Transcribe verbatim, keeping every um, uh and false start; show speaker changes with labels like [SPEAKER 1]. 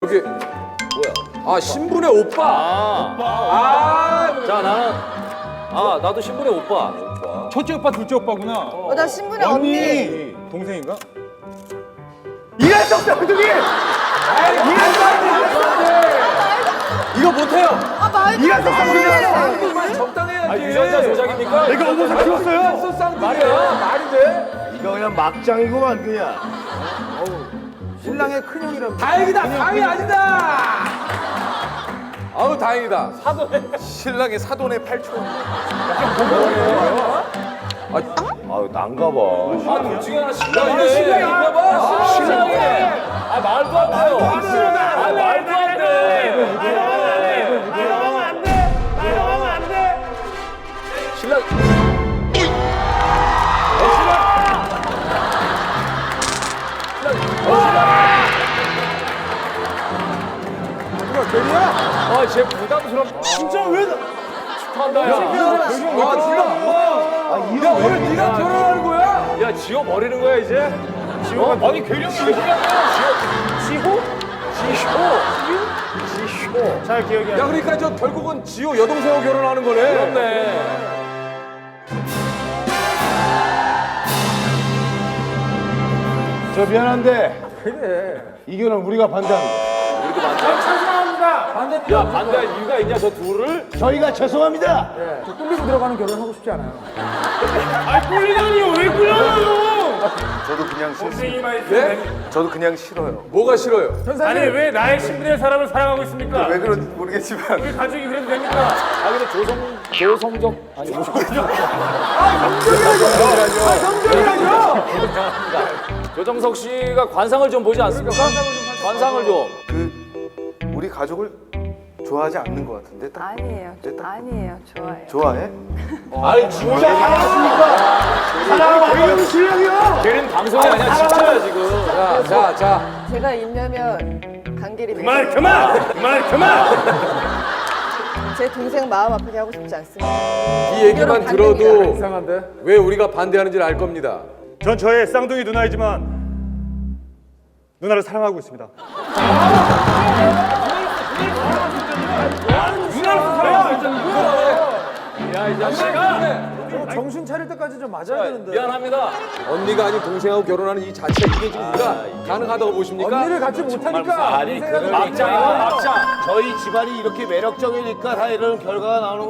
[SPEAKER 1] 여기 뭐야? 아 신분의 오빠.
[SPEAKER 2] 아,
[SPEAKER 1] 아,
[SPEAKER 2] 자 나는 아 나도 신분의 오빠.
[SPEAKER 3] 첫째 오빠, 둘째 오빠구나.
[SPEAKER 4] 어, 나 신분의 언니.
[SPEAKER 3] 동생인가?
[SPEAKER 1] 이랬어 쌍둥이. 이거 못해요.
[SPEAKER 4] 아, 말도
[SPEAKER 1] 이랬어
[SPEAKER 4] 안
[SPEAKER 1] 쌍둥이.
[SPEAKER 4] 돼.
[SPEAKER 1] 쌍둥이만 적당해야지.
[SPEAKER 2] 아 유전자 조작입니까?
[SPEAKER 3] 내가 어머서 키웠어요.
[SPEAKER 1] 이랬어 쌍둥이야. 말이 돼?
[SPEAKER 5] 이거 그냥 막장이구만 그냥.
[SPEAKER 1] 신랑의 큰형이라. 다행이다. 다행이 아니다. 아우 다행이다. 사돈의 신랑의 사돈의 팔촌.
[SPEAKER 5] 아유 난가 봐.
[SPEAKER 2] 아 둘 중에 하나 신랑이네.
[SPEAKER 1] 이거 신랑인가 봐.
[SPEAKER 2] 신랑이네. 아 말도 안 돼요. 아 말도 안 돼.
[SPEAKER 5] 말하면 안 돼. 말하면 안 돼.
[SPEAKER 2] 신랑. 아, 쟤 부담스럽. 진짜 왜? 축하한다, 야.
[SPEAKER 1] 아 지금. 야 오늘 네가 결혼하는 거야?
[SPEAKER 2] 야, 지호 버리는 거야, 이제? 지호가. 아니, 괴령이 왜 그냥 지호? 지호? 지호?
[SPEAKER 5] 잘 기억이 안
[SPEAKER 1] 야 그러니까 저 결국은 지호 여동생하고 결혼하는 거네.
[SPEAKER 2] 그렇네.
[SPEAKER 5] 저 미안한데. 그래. 이 결혼 우리가 반대합니다.
[SPEAKER 2] 야, 반대할 이유가 있냐, 저 둘을?
[SPEAKER 5] 저희가 죄송합니다.
[SPEAKER 6] 저도 그냥 싫습니다.
[SPEAKER 1] 네?
[SPEAKER 6] 저도 그냥 싫어요.
[SPEAKER 1] 뭐가 싫어요?
[SPEAKER 7] 아니 왜 나의 신분의 사람을 사랑하고 있습니까?
[SPEAKER 6] 왜 그런지 모르겠지만
[SPEAKER 7] 우리 가족이 그래도 됩니까?
[SPEAKER 2] 아, 근데 조성, 조성적. 아니, 조정석 씨가 관상을 좀 보지 않습니까? 관상을 좀.
[SPEAKER 6] 그 우리 가족을 좋아하지 않는 것 같은데 딱
[SPEAKER 4] 아니에요.
[SPEAKER 6] 네, 딱
[SPEAKER 4] 아니에요. 좋아해요.
[SPEAKER 6] 좋아해?
[SPEAKER 2] 아니, 진짜
[SPEAKER 5] 사랑하는 신랑이요.
[SPEAKER 2] 걔는 방송이 아니야, 진짜야, 지금.
[SPEAKER 1] 자, 자, 자.
[SPEAKER 4] 제가 일려면 강길이
[SPEAKER 7] 그만 그만 그만 그만.
[SPEAKER 4] 제 동생 마음 아프게 하고 싶지 않습니다.
[SPEAKER 1] 이 얘기만
[SPEAKER 4] 반대입니다.
[SPEAKER 1] 들어도 왜 우리가 반대하는지를 알 겁니다.
[SPEAKER 3] 전 저의 쌍둥이 누나이지만 누나를 사랑하고 있습니다.
[SPEAKER 2] 야, 이 자식아!
[SPEAKER 1] 정신 차릴 때까지 좀 맞아야
[SPEAKER 2] 미안합니다.
[SPEAKER 1] 언니가 아닌 동생하고 결혼하는 이 자체 이게 지금 우리가 가능하다고 보십니까? 언니를 갖지 못하니까.
[SPEAKER 2] 아니, 그 막장이야, 막장.
[SPEAKER 5] 저희 집안이 이렇게 매력적이니까 다 이런 결과가 나오는